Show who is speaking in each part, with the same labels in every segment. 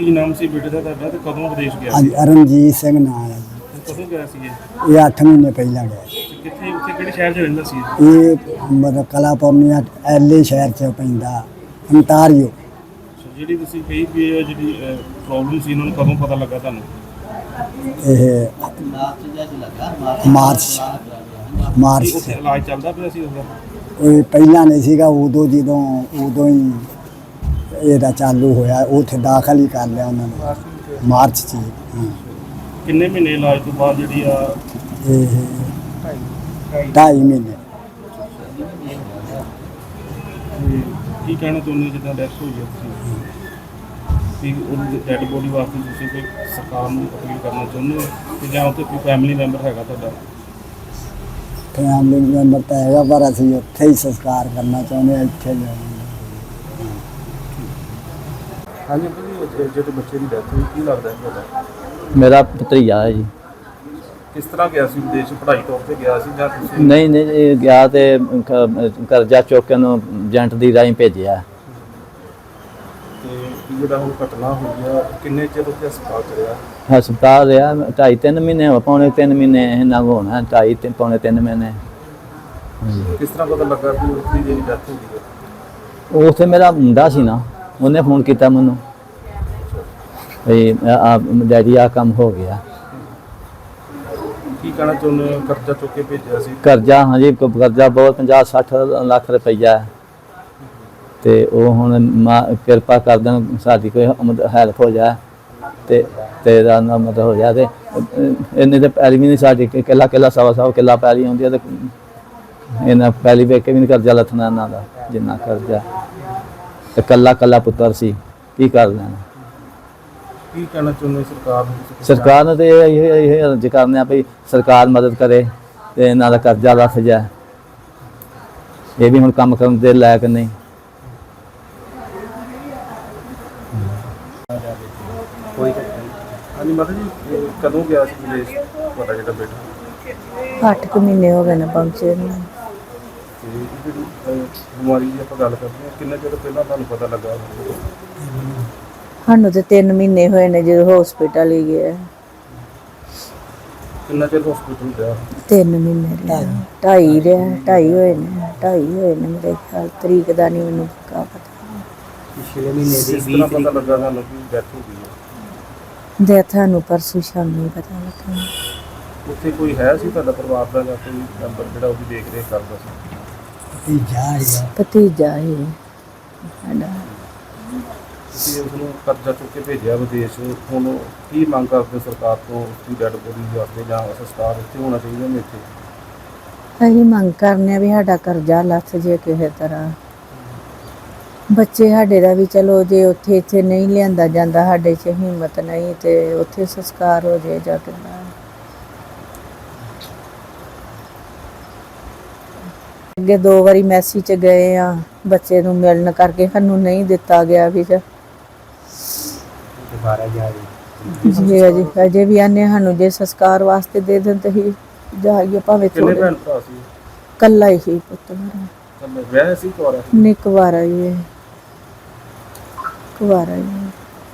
Speaker 1: ਕੀ ਨਾਮ ਸੀ ਬੇਟੇ ਦਾ ਤੁਹਾਡਾ ਤੇ ਕਦੋਂ ਵਿਦੇਸ਼ ਗਿਆ
Speaker 2: ਹਾਂਜੀ
Speaker 1: ਸੀ?
Speaker 2: ਅਰਨਜੀਤ ਸਿੰਘ ਨਾਂ ਹੈ ਜੀ।
Speaker 1: ਕਦੋਂ ਗਿਆ ਸੀ
Speaker 2: ਇਹ 8 ਮਹੀਨੇ ਪਹਿਲਾਂ ਗਿਆ ਸੀ।
Speaker 1: ਕਿੱਥੇ ਉੱਥੇ ਕਿਹੜੇ ਸ਼ਹਿਰ 'ਚ ਰਹਿੰਦਾ ਸੀ?
Speaker 2: ਇਹ ਮਤਲਬ ਕਲਾਪੁਰਨੀਆ ਐਲੇ ਸ਼ਹਿਰ 'ਚ ਪੈਂਦਾ ਅੰਟਾਰੀਓ।
Speaker 1: ਜਿਹੜੀ ਤੁਸੀਂ ਕਹੀ ਵੀ ਇਹ ਜਿਹੜੀ ਪ੍ਰੋਬਲਮ ਸੀ ਇਹਨਾਂ ਨੂੰ ਕਦੋਂ ਪਤਾ ਲੱਗਾ ਤੁਹਾਨੂੰ?
Speaker 2: ਇਹ ਮਾਰਚ
Speaker 1: ਕੀ ਉੱਥੇ ਇਲਾਜ ਚੱਲਦਾ ਪਿਆ ਸੀ ਉਹਦਾ?
Speaker 2: ਇਹ ਪਹਿਲਾਂ ਨਹੀਂ ਸੀਗਾ, ਉਦੋਂ ਹੀ ਇਹਦਾ ਚਾਲੂ ਹੋਇਆ। ਉੱਥੇ ਦਾਖਲ ਹੀ ਕਰ ਲਿਆ ਉਹਨਾਂ ਨੇ ਮਾਰਚ 'ਚ।
Speaker 1: ਕਿੰਨੇ ਮਹੀਨੇ ਇਲਾਜ ਤੋਂ ਬਾਅਦ ਜਿਹੜੀ ਆ?
Speaker 2: ਇਹ 2.5 ਮਹੀਨੇ।
Speaker 1: ਤੇ ਕੀ ਕਹਿਣਾ ਚਾਹੁੰਦੇ ਜਿੱਦਾਂ ਡੈਥ ਹੋਈ ਹੈ ਤੁਸੀਂ ਵੀ ਉਹਦੀ ਡੈਡ ਬੋਡੀ ਵਾਸਤੇ ਤੁਸੀਂ ਕੋਈ ਸਰਕਾਰ ਨੂੰ ਅਪੀਲ ਕਰਨਾ ਚਾਹੁੰਦੇ ਹੋ ਕਿ ਜਾਂ ਉੱਥੇ ਕੋਈ ਫੈਮਿਲੀ ਮੈਂਬਰ ਹੈਗਾ ਤੁਹਾਡਾ?
Speaker 2: ਫੈਮਿਲੀ ਮੈਂਬਰ ਤਾਂ ਹੈਗਾ, ਪਰ ਅਸੀਂ ਉੱਥੇ ਹੀ ਸੰਸਕਾਰ ਕਰਨਾ ਚਾਹੁੰਦੇ ਹਾਂ, ਇੱਥੇ ਜਾਣਾ।
Speaker 1: ਹਾਂਜੀ ਜੀ, ਜਿਹੜੇ ਬੱਚੇ ਦੀ ਡੈਥ ਹੋਈ ਕੀ ਲੱਗਦਾ ਹੈ ਤੁਹਾਡਾ?
Speaker 3: ਮੇਰਾ ਭਤਰੀਆ ਹੈ ਜੀ।
Speaker 1: ਕਿਸ ਤਰ੍ਹਾਂ ਗਿਆ ਸੀ ਵਿਦੇਸ਼? ਪੜ੍ਹਾਈ ਤੌਰ ਤੇ ਗਿਆ ਸੀ ਜਾਂ ਤੁਸੀਂ?
Speaker 3: ਨਹੀਂ ਇਹ ਗਿਆ ਤੇ ਕਰਜ਼ਾ ਚੁੱਕ ਕੇ ਉਹਨੂੰ ਏਜੰਟ ਦੀ ਰਾਹੀਂ ਭੇਜਿਆ।
Speaker 1: ਤੇ ਜਿਹੜਾ ਹੁਣ ਘਟਨਾ ਹੋਈ ਆ ਕਿੰਨੇ ਚਿਰ ਉੱਥੇ ਹਸਪਤਾਲ 'ਚ ਰਿਹਾ?
Speaker 3: ਹਸਪਤਾਲ ਰਿਹਾ 2.5-3 ਮਹੀਨੇ, ਪੌਣੇ 3 ਮਹੀਨੇ ਇਹਨਾਂ ਨੂੰ ਹੋਣਾ, 2.5 ਪੌਣੇ 3 ਮਹੀਨੇ।
Speaker 1: ਕਿਸ ਤਰ੍ਹਾਂ ਪਤਾ ਲੱਗਾ ਵੀ ਉਸਦੀ ਜਿਹੜੀ ਡੈਥ ਹੋ ਗਈ ਹੈ?
Speaker 3: ਉੱਥੇ ਮੇਰਾ ਮੁੰਡਾ ਸੀ ਨਾ, ਉਹਨੇ ਫੋਨ ਕੀਤਾ ਮੈਨੂੰ ਵੀ ਡੈਡੀ ਆ ਕੰਮ ਹੋ ਗਿਆ।
Speaker 1: ਕੀ ਕਹਿਣਾ ਚਾਹੁੰਦੇ ਹੋ? ਕਰਜ਼ਾ ਚੁੱਕ ਕੇ ਭੇਜਿਆ ਸੀ?
Speaker 3: ਕਰਜ਼ਾ, ਹਾਂਜੀ ਕਰਜ਼ਾ ਬਹੁਤ 50-60 ਲੱਖ ਰੁਪਈਆ ਤੇ ਉਹ ਹੁਣ ਕਿਰਪਾ ਕਰ ਦੇਣ ਸਾਡੀ ਕੋਈ ਹੈਲਪ ਹੋ ਜਾਏ ਤੇ ਤੇਰਾ ਨਾ ਮਦਦ ਹੋ ਜਾਏ। ਤੇ ਇੰਨੇ ਤੇ ਪੈਲੀ ਵੀ ਨਹੀਂ ਸਾਡੀ, ਕਿੱਲਾ ਸਵਾ ਕਿੱਲਾ ਪੈਲੀ ਹੁੰਦੀ ਹੈ ਤੇ ਇਹਨਾਂ ਪੈਲੀ ਵੇਖ ਕੇ ਵੀ ਨਹੀਂ ਕਰਜ਼ਾ ਲੱਥਣਾ ਇਹਨਾਂ ਦਾ ਜਿੰਨਾ ਕਰਜ਼ਾ। ਤੇ ਕੱਲਾ ਪੁੱਤਰ ਸੀ, ਕੀ ਕਰ ਲੈਣਾ।
Speaker 1: ਕੀ ਕਹਿਣਾ ਚਾਹੁੰਦੇ ਸਰਕਾਰ ਨੂੰ?
Speaker 3: ਸਰਕਾਰ ਨੂੰ ਤੇ ਇਹ ਅਰਜ਼ ਕਰਨੇ ਆ ਵੀ ਸਰਕਾਰ ਮਦਦ ਕਰੇ ਤੇ ਇਹਨਾਂ ਦਾ ਕਰਜ਼ਾ ਲੱਥ ਜਾਏ। ਇਹ ਵੀ ਹੁਣ ਕੰਮ ਕਰਨ ਦੇ ਲਾਇਕ ਨਹੀਂ।
Speaker 1: ਹਾਂਜੀ ਮਾਤਾ ਜੀ, ਕਦੋਂ ਗਿਆ ਸੀ ਵਿਦੇਸ਼ ਤੁਹਾਡਾ ਜਿਹੜਾ ਬੇਟਾ?
Speaker 4: 8 ਮਹੀਨੇ ਹੋ ਗਏ ਨੇ ਪਹੁੰਚੇ ਨੂੰ।
Speaker 1: ਤੇ ਜਿਹੜੀ ਬਿਮਾਰੀ ਦੀ ਆਪਾਂ ਗੱਲ ਕਰਦੇ ਹਾਂ, ਕਿੰਨੇ ਚਿਰ ਪਹਿਲਾਂ ਤੁਹਾਨੂੰ ਪਤਾ ਲੱਗਾ?
Speaker 4: ਸਾਨੂੰ ਤੇ 3 ਮਹੀਨੇ ਹੋਏ ਨੇ ਜਦੋਂ ਹਸਪੀਟਲ ਹੀ ਗਏ।
Speaker 1: ਕਿੰਨਾ ਚਿਰ ਹਸਪੀਟਲ ਰਿਹਾ?
Speaker 4: 3 ਮਹੀਨੇ ਰਿਹਾ, 2.5 ਹੋਏ ਨੇ ਮੇਰੇ ਖਿਆਲ। ਤਰੀਕ ਦਾ ਨਹੀਂ ਮੈਨੂੰ ਪੱਕਾ ਪਤਾ।
Speaker 2: ਪਿਛਲੇ ਮਹੀਨੇ
Speaker 1: ਕਿਸ ਤਰ੍ਹਾਂ ਪਤਾ ਲੱਗਾ ਤੁਹਾਨੂੰ ਕਿ ਡੈਥ ਹੋ ਗਈ ਹੈ?
Speaker 4: ਦੇ ਤੁਹਾਨੂੰ ਪਰਸੋਂ ਸ਼ਾਮੀ ਪਤਾ ਲੱਗਾ।
Speaker 1: ਉੱਥੇ ਕੋਈ ਹੈ ਸੀ ਤੁਹਾਡਾ ਪਰਿਵਾਰ ਦਾ ਜਾਂ ਕੋਈ ਮੈਂਬਰ ਜਿਹੜਾ ਉਹਦੀ ਦੇਖ ਰੇਖ ਕਰਦਾ ਸੀ?
Speaker 4: ਭਤੀਜਾ ਹੀ ਸਾਡਾ।
Speaker 1: ਤੁਸੀਂ ਉਸਨੂੰ ਕਰਜ਼ਾ ਚੁੱਕ ਕੇ ਭੇਜਿਆ ਵਿਦੇਸ਼, ਹੁਣ ਕੀ ਮੰਗ ਕਰਦੇ ਸਰਕਾਰ ਤੋਂ? ਉਸਦੀ ਡੈਡ ਬੋਡੀ ਵਾਸਤੇ ਜਾਂ ਸੰਸਕਾਰ ਇੱਥੇ ਹੋਣਾ ਚਾਹੀਦਾ ਨੇ? ਇੱਥੇ
Speaker 4: ਅਸੀਂ ਮੰਗ ਕਰਨੇ ਆ ਵੀ ਸਾਡਾ ਕਰਜ਼ਾ ਲੱਥ ਜੇ ਕਿਸੇ ਤਰ੍ਹਾਂ। ਬੱਚੇ ਸਾਡੇ ਦਾ ਵੀ ਚਲੋ ਜੇ ਉੱਥੇ ਇੱਥੇ ਨਹੀਂ ਲਿਆਂਦਾ ਜਾਂਦਾ, ਸਾਡੇ 'ਚ ਹਿੰਮਤ ਨਹੀਂ ਤੇ ਉੱਥੇ ਸੰਸਕਾਰ ਹੋ ਜਾਏ ਜਾਂ ਕਿੱਦਾਂ। ਅੱਗੇ 2 ਵਾਰੀ ਮੈਸੀ 'ਚ ਗਏ ਆ ਬੱਚੇ ਨੂੰ ਮਿਲਣ ਕਰਕੇ, ਸਾਨੂੰ ਨਹੀਂ ਦਿੱਤਾ ਗਿਆ ਵੀ ਜੀ ਅਜੇ ਵੀ ਆਨੇ ਸਾਨੂੰ ਜੇ ਸੰਸਕਾਰ ਵਾਸਤੇ ਦੇ ਦੇਣ ਤੇ ਹੀ ਜਾਈਏ ਭਾਵੇਂ
Speaker 1: ਕਿੰਨੇ
Speaker 4: ਥੋੜੇ।
Speaker 1: ਭੈਣ ਭਰਾ ਸੀ?
Speaker 4: ਕੱਲਾ ਹੀ ਪੁੱਤ ਮੇਰਾ।
Speaker 1: ਕੱਲੇ ਵਿਆਹ ਸੀ ਕੁਆਰਾ?
Speaker 4: ਨਹੀਂ ਕੁਵਾਰਾ ਹੀ ਹੈ, ਕੁਵਾਰਾ ਹੀ ਹੈ।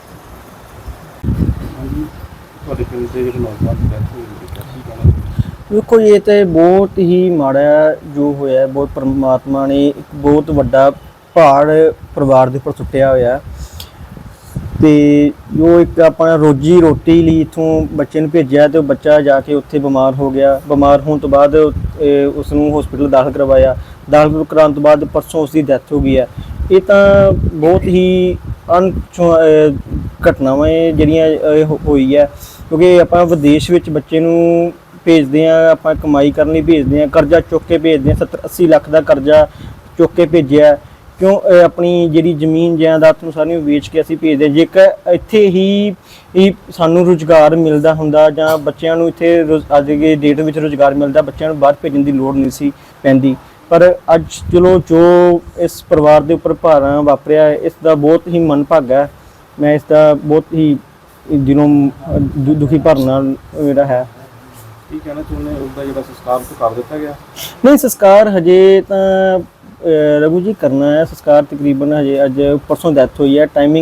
Speaker 1: ਹਾਂਜੀ, ਤੁਹਾਡੇ ਪਿੰਡ ਦੇ ਜਿਹੜੇ ਨੌਜਵਾਨ ਦੀ ਡੈਥ ਹੋਈ ਹੈ, ਕੀ ਕਹਿਣਾ?
Speaker 5: ਦੇਖੋ ਇਹ ਤਾਂ ਬਹੁਤ ਹੀ ਮਾੜਾ ਜੋ ਹੋਇਆ। ਬਹੁਤ ਪਰਮਾਤਮਾ ਨੇ ਇੱਕ ਬਹੁਤ ਵੱਡਾ ਪਹਾੜ ਪਰਿਵਾਰ ਦੇ ਉੱਪਰ ਸੁੱਟਿਆ ਹੋਇਆ ਤੇ ਜੋ ਇੱਕ ਆਪਣਾ ਰੋਜੀ ਰੋਟੀ ਲਈ ਇੱਥੋਂ ਬੱਚੇ ਨੂੰ ਭੇਜਿਆ ਤੇ ਉਹ ਬੱਚਾ ਜਾ ਕੇ ਉੱਥੇ ਬਿਮਾਰ ਹੋ ਗਿਆ। ਬਿਮਾਰ ਹੋਣ ਤੋਂ ਬਾਅਦ ਉਸ ਨੂੰ ਹਸਪੀਟਲ ਦਾਖਲ ਕਰਵਾਇਆ। ਦਾਖਲ ਕਰਾਉਣ ਤੋਂ ਬਾਅਦ ਪਰਸੋਂ ਉਸ ਦੀ ਡੈਥ ਹੋ ਗਈ ਹੈ। ਇਹ ਤਾਂ ਬਹੁਤ ਹੀ ਘਟਨਾਵਾਂ ਜਿਹੜੀਆਂ ਹੋਈ ਹੈ, ਕਿਉਂਕਿ ਆਪਾਂ ਵਿਦੇਸ਼ ਵਿੱਚ ਬੱਚੇ ਨੂੰ ਭੇਜਦੇ ਹਾਂ, ਆਪਾਂ ਕਮਾਈ ਕਰਨ ਲਈ ਭੇਜਦੇ ਹਾਂ, ਕਰਜ਼ਾ ਚੁੱਕ ਕੇ ਭੇਜਦੇ ਹਾਂ। 70-80 ਲੱਖ ਦਾ ਕਰਜ਼ਾ ਚੁੱਕ ਕੇ ਭੇਜਿਆ। ਕਿਉਂ? ਆਪਣੀ ਜਿਹੜੀ ਜ਼ਮੀਨ ਜਾਇਦਾਦ ਨੂੰ ਸਾਰੀਆਂ ਵੇਚ ਕੇ ਅਸੀਂ ਭੇਜਦੇ। ਜੇਕਰ ਇੱਥੇ ਹੀ ਸਾਨੂੰ ਰੁਜ਼ਗਾਰ ਮਿਲਦਾ ਹੁੰਦਾ ਜਾਂ ਬੱਚਿਆਂ ਨੂੰ ਇੱਥੇ ਅੱਜ ਦੇ ਡੇਟ ਵਿੱਚ ਰੁਜ਼ਗਾਰ ਮਿਲਦਾ, ਬੱਚਿਆਂ ਨੂੰ ਬਾਹਰ ਭੇਜਣ ਦੀ ਲੋੜ ਨਹੀਂ ਸੀ ਪੈਂਦੀ। ਪਰ ਅੱਜ ਚਲੋ ਜੋ ਇਸ ਪਰਿਵਾਰ ਦੇ ਉੱਪਰ ਭਾਰਾਂ ਵਾਪਰਿਆ, ਇਸ ਦਾ ਬਹੁਤ ਹੀ ਮੰਦਭਾਗਾ ਹੈ। ਮੈਂ ਇਸ ਦਾ ਬਹੁਤ ਹੀ ਦਿਲੋਂ ਦੁਖੀ ਭਰਨਾ ਮੇਰਾ ਹੈ।
Speaker 1: ਕੀ ਕਹਿਣਾ ਚਾਹੁੰਦੇ ਉਹਦਾ ਜਿਹੜਾ ਸੰਸਕਾਰ ਤੋਂ ਕਰ ਦਿੱਤਾ ਗਿਆ?
Speaker 5: ਨਹੀਂ, ਸੰਸਕਾਰ ਹਜੇ ਤਾਂ ਰਘੂ ਜੀ ਕਰਨਾ ਹੈ। ਸੰਸਕਾਰ ਤਕਰੀਬਨ ਹਜੇ ਅੱਜ ਪਰਸੋਂ ਡੈਥ ਹੋਈ ਹੈ। ਟਾਈਮਿੰਗ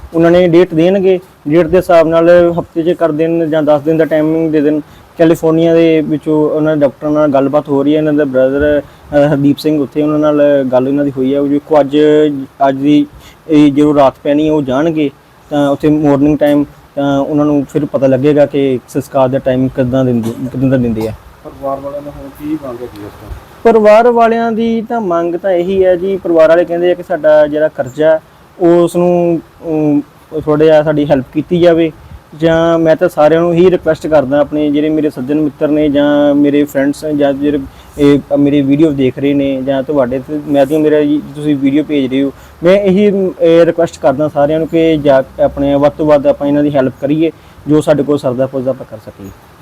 Speaker 5: ਉਹਨਾਂ ਨੇ ਡੇਟ ਦੇਣਗੇ, ਡੇਟ ਦੇ ਹਿਸਾਬ ਨਾਲ ਹਫਤੇ 'ਚ ਕਰ ਦੇਣ ਜਾਂ 10 ਦਿਨ ਦਾ ਟਾਈਮਿੰਗ ਦੇ ਦੇਣ। ਕੈਲੀਫੋਰਨੀਆ ਦੇ ਵਿੱਚੋਂ ਉਹਨਾਂ ਦੇ ਡਾਕਟਰਾਂ ਨਾਲ ਗੱਲਬਾਤ ਹੋ ਰਹੀ ਹੈ, ਇਹਨਾਂ ਦਾ ਬ੍ਰਦਰ ਹਰਦੀਪ ਸਿੰਘ ਉੱਥੇ ਉਹਨਾਂ ਨਾਲ ਗੱਲ ਇਹਨਾਂ ਦੀ ਹੋਈ ਹੈ। ਉਹ ਦੇਖੋ ਅੱਜ ਦੀ ਇਹ ਜਦੋਂ ਰਾਤ ਪੈਣੀ ਹੈ ਉਹ ਜਾਣਗੇ ਤਾਂ ਉੱਥੇ ਮਾਰਨਿੰਗ ਟਾਈਮ ਤਾਂ ਉਹਨਾਂ ਨੂੰ ਫਿਰ ਪਤਾ ਲੱਗੇਗਾ ਕਿ ਸੰਸਕਾਰ ਦਾ ਟਾਈਮ ਕਿੱਦਾਂ ਦਾ ਦਿੰਦੇ ਆ।
Speaker 1: ਪਰਿਵਾਰ ਵਾਲਿਆਂ ਦਾ ਹੁਣ ਕੀ ਮੰਗ ਹੈਗੀ ਇਸ ਤੋਂ?
Speaker 5: ਪਰਿਵਾਰ ਵਾਲਿਆਂ ਦੀ ਤਾਂ ਮੰਗ ਤਾਂ ਇਹੀ ਹੈ ਜੀ, ਪਰਿਵਾਰ ਵਾਲੇ ਕਹਿੰਦੇ ਆ ਕਿ ਸਾਡਾ ਜਿਹੜਾ ਕਰਜ਼ਾ ਉਸ ਨੂੰ ਥੋੜ੍ਹਾ ਜਿਹਾ ਸਾਡੀ ਹੈਲਪ ਕੀਤੀ ਜਾਵੇ। ਜਾਂ ਮੈਂ ਤਾਂ ਸਾਰਿਆਂ ਨੂੰ ਹੀ ਰਿਕੁਐਸਟ ਕਰਦਾ, ਆਪਣੇ ਜਿਹੜੇ ਮੇਰੇ ਸੱਜਣ ਮਿੱਤਰ ਨੇ ਜਾਂ ਮੇਰੇ ਫਰੈਂਡਸ ਜਾਂ ਜਿਹੜੇ ਇਹ ਮੇਰੀ ਵੀਡੀਓ ਦੇਖ ਰਹੇ ਨੇ ਜਾਂ ਤੁਹਾਡੇ ਤੇ ਮੈਂ ਤਾਂ ਮੇਰਾ ਤੁਸੀਂ ਵੀਡੀਓ ਭੇਜ ਰਹੇ ਹੋ, ਮੈਂ ਇਹੀ ਰਿਕੁਐਸਟ ਕਰਦਾ ਸਾਰਿਆਂ ਨੂੰ ਕਿ ਜਾ ਆਪਣੇ ਵੱਧ ਤੋਂ ਵੱਧ ਆਪਾਂ ਇਹਨਾਂ ਦੀ ਹੈਲਪ ਕਰੀਏ, ਜੋ ਸਾਡੇ ਕੋਲ ਸਰਦਾ ਪੁੱਜਦਾ ਆਪਾਂ ਕਰ ਸਕੀਏ।